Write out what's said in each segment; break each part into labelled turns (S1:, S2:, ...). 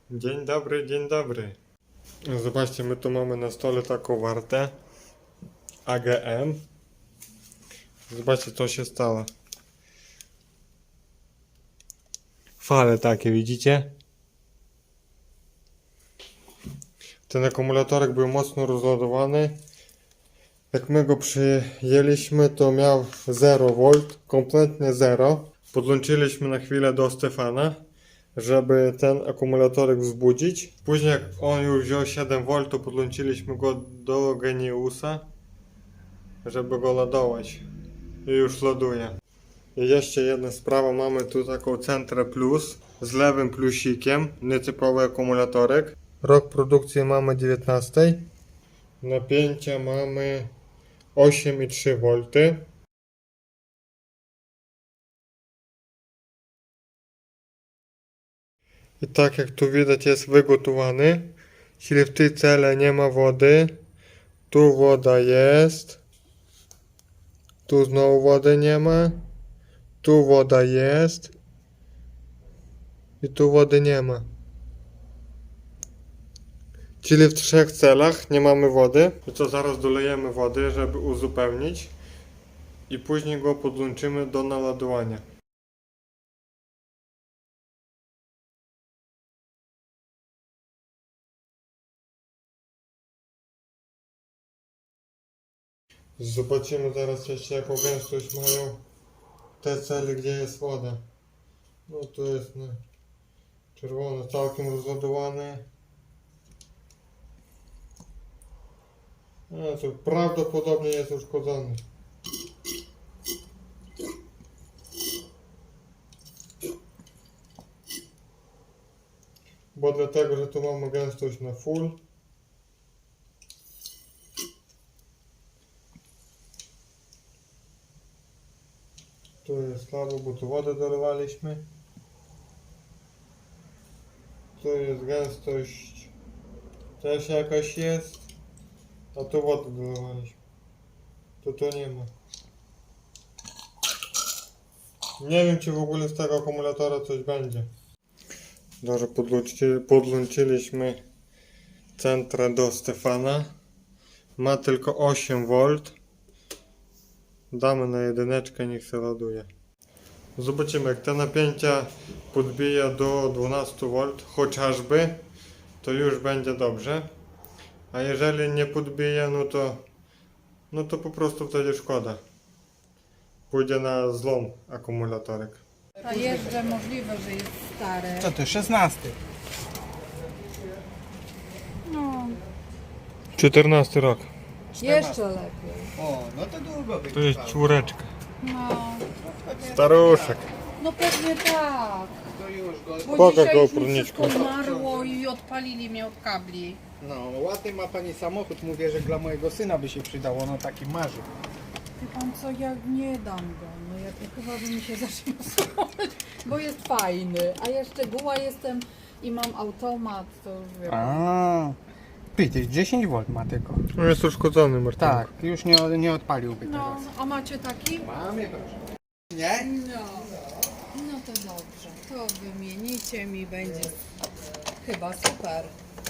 S1: Dzień dobry, dzień dobry. Zobaczcie, my tu mamy na stole taką wartę AGM. Zobaczcie, co się stało. Fale takie, widzicie? Ten akumulatorek był mocno rozładowany. Jak my go przyjęliśmy, to miał 0V, kompletnie 0. Podłączyliśmy na chwilę do Stefana, żeby ten akumulatorek wzbudzić. Później jak on już wziął 7V, to podłączyliśmy go do Geniusa, żeby go ładować. I już ładuje. I jeszcze jedna sprawa, mamy tu taką Centrę Plus z lewym plusikiem, nietypowy akumulatorek. Rok produkcji mamy 19. Napięcia mamy 8,3V. I tak jak tu widać, jest wygotowany, czyli w tej cele nie ma wody. Tu woda jest. Tu znowu wody nie ma. Tu woda jest. I tu wody nie ma. Czyli w 3 celach nie mamy wody. I to zaraz dolejemy wody, żeby uzupełnić. I później go podłączymy do naładowania. Zobaczymy zaraz jeszcze, jaką gęstość mają te cele, gdzie jest woda. No tu jest na czerwono, całkiem rozładowane. A to prawdopodobnie jest uszkodzony. Bo dlatego, że tu mamy gęstość na full. Tu jest słabo, bo tu wodę dolewaliśmy. Tu jest gęstość też jakaś jest. A tu wodę dolewaliśmy. Tu nie ma. Nie wiem, czy w ogóle z tego akumulatora coś będzie. Dobrze, podłączyliśmy Centrę do Stefana. Ma tylko 8V. Damy na jedyneczkę, niech się ładuje. Zobaczymy, jak te napięcia podbija do 12V chociażby, to już będzie dobrze. A jeżeli nie podbija, no to po prostu wtedy szkoda. Pójdzie na złom akumulatorek.
S2: A jeszcze możliwe, że jest stare.
S3: Co ty, 16?
S2: No,
S1: 14 rok.
S2: jeszcze lepiej.
S3: O, no to długo
S1: To jest czwóreczka.
S2: No,
S1: Staruszek.
S2: no pewnie tak.
S3: To już go...
S2: Bo
S1: Pokaż
S2: dzisiaj
S1: go,
S2: już mi
S1: opórniczku.
S2: wszystko zmarło i odpalili mnie od kabli.
S3: No, ładny ma pani samochód, mówię, że dla mojego syna by się przydało, no taki marzy.
S2: Wie pan co, ja nie dam go. No ja to chyba by mi się zaczął bo jest fajny. A ja szczegóła jestem i mam automat, to już wiem.
S3: A, ty 10V ma tylko.
S1: On jest uszkodzony, Martin.
S3: Tak, już nie odpaliłby
S2: No,
S3: teraz.
S2: a macie taki?
S3: Mamy, proszę. Nie?
S2: No, no to dobrze. To wymienicie mi, będzie chyba super.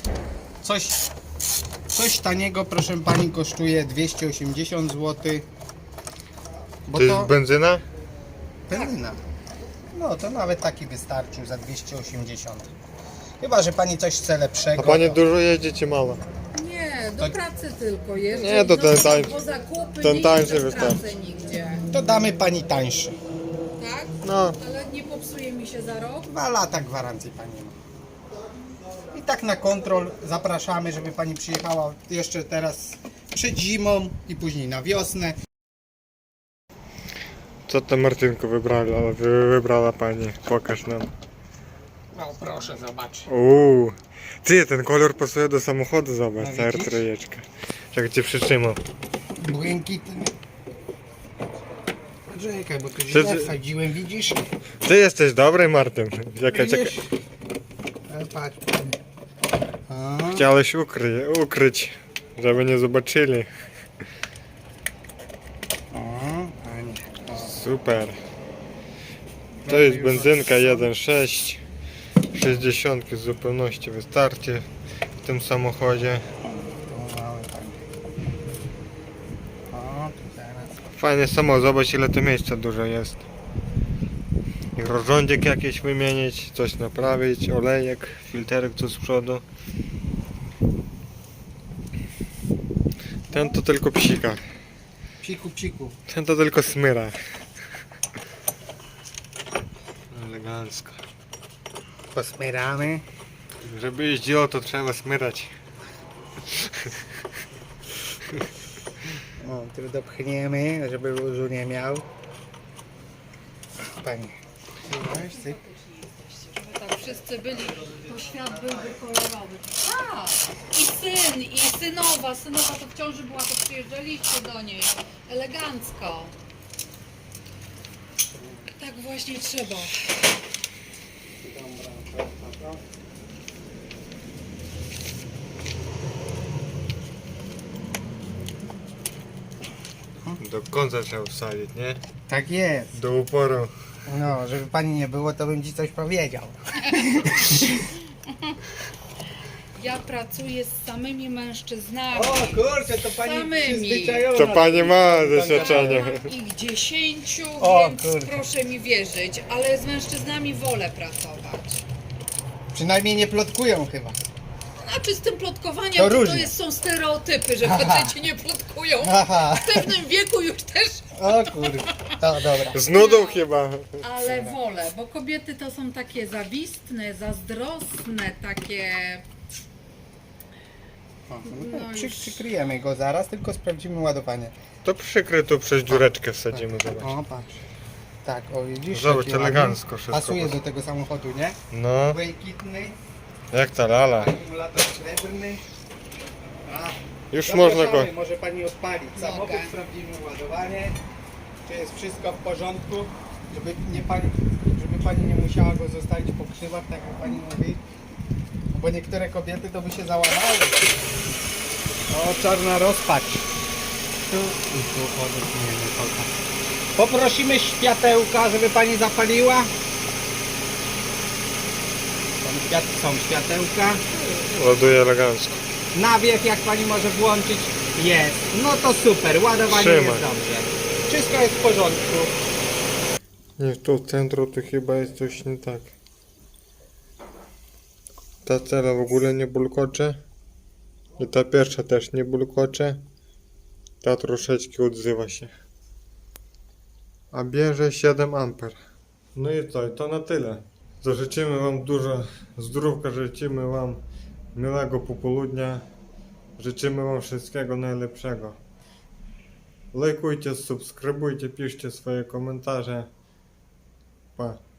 S3: Coś taniego, proszę pani, kosztuje 280 zł. Bo
S1: To jest benzyna?
S3: benzyna. No to nawet taki wystarczył za 280. Chyba, że pani coś chce
S1: A
S3: lepszego.
S1: pani
S3: to-
S1: dużo jeździ czy mało?
S2: Nie, do pracy tylko jeszcze.
S1: Nie, to ten tańszy.
S2: Bo zakupy
S1: Ten
S2: nie
S1: tańszy
S2: idę w pracę
S1: wystarczy.
S2: nigdzie.
S3: To damy pani tańszy.
S2: Tak?
S1: No.
S2: Ale nie popsuje mi się za rok?
S3: 2 lata gwarancji pani ma. I tak na kontrol zapraszamy, żeby pani przyjechała jeszcze teraz przed zimą i później na wiosnę.
S1: Co to Martynko wybrała pani? Pokaż nam.
S3: No proszę zobaczyć.
S1: Ty, ten kolor pasuje do samochodu, zobacz,
S3: No
S1: ta
S3: widzisz?
S1: R3. Jak cię przytrzymał.
S3: Błękitny. Czekaj, bo tu
S1: Ty-
S3: źle wsadziłem, widzisz?
S1: Ty jesteś dobry, Martyn. Czekaj.
S3: Widzisz? Patrz. A,
S1: Chciałeś ukryć, żeby nie zobaczyli.
S3: Panie.
S1: Super. To jest benzynka 1.6. 60 w zupełności wystarczy w tym samochodzie.
S3: Tu mamy pani. O, tu teraz.
S1: Fajnie samo, zobacz ile to miejsca dużo jest. I rozrządzik jakiś wymienić, coś naprawić, olejek, filterek tu z przodu. Ten to tylko psika,
S3: Psiku, psiku.
S1: ten to tylko smyra. Elegancko.
S3: Posmyramy.
S1: Żeby jeździło to trzeba smyrać.
S3: O, tu dopchniemy, żeby luzu nie miał. Pani. Weź, syp.
S2: Żeby tak wszyscy byli, to świat byłby kolorowy. A! I syn, i synowa. Synowa to w ciąży była, to przyjeżdżaliście do niej. Elegancko. Tak właśnie trzeba.
S1: Do końca trzeba wsadzić, nie?
S3: Tak jest.
S1: Do uporu.
S3: No, żeby pani nie było, to bym ci coś powiedział.
S2: Ja pracuję z samymi mężczyznami.
S3: kurczę, to pani
S2: Samymi.
S3: przyzwyczajona.
S1: To pani ma doświadczenie.
S2: Mam ich 10,
S3: O,
S2: więc
S3: kurde.
S2: proszę mi wierzyć, ale z mężczyznami wolę pracować.
S3: Przynajmniej nie plotkują chyba.
S2: Znaczy z tym plotkowaniem
S3: To
S2: to,
S3: różnie.
S2: są stereotypy, że faceci nie plotkują.
S3: Aha.
S2: W pewnym wieku już też,
S3: O kurde. O, dobra.
S1: Z nudą chyba.
S2: ale wolę, bo kobiety to są takie zawistne, zazdrosne, takie...
S3: O,
S2: No
S3: no,
S2: już.
S3: przykryjemy go zaraz, tylko sprawdzimy ładowanie.
S1: To przykry tu przez dziureczkę wsadzimy, zobacz.
S3: O, patrz. Tak, o widzisz?
S1: Zobacz,
S3: jakie
S1: elegancko
S3: ładnie.
S1: wszystko
S3: Pasuje
S1: poszło.
S3: do tego samochodu, nie?
S1: No,
S3: Błękitny,
S1: jak ta lala.
S3: akumulator srebrny. A,
S1: Już można go...
S3: zapraszamy, może pani odpalić samochód,
S2: Mogę.
S3: sprawdzimy ładowanie, czy jest wszystko w porządku, żeby pani nie musiała go zostawić po krzywach, tak jak pani mówi. Bo niektóre kobiety to by się załamały. O, czarna rozpacz. Tu i tu odetniemy koka. Poprosimy światełka, żeby pani zapaliła. Są światełka.
S1: Ładuje elegancko.
S3: Nawiek jak pani może włączyć jest. No to super, ładowanie
S1: Trzymaj.
S3: jest dobrze. Wszystko jest w porządku.
S1: Nie, tu w centrum to chyba jest coś nie tak. Ta cela w ogóle nie bulkocze. I ta pierwsza też nie bulkocze. Ta troszeczkę odzywa się. A bierze 7 amper. No i co, i to na tyle. To życzymy wam dużo zdrówka, życzymy wam miłego popołudnia. Życzymy wam wszystkiego najlepszego. Lajkujcie, subskrybujcie, piszcie swoje komentarze. Pa.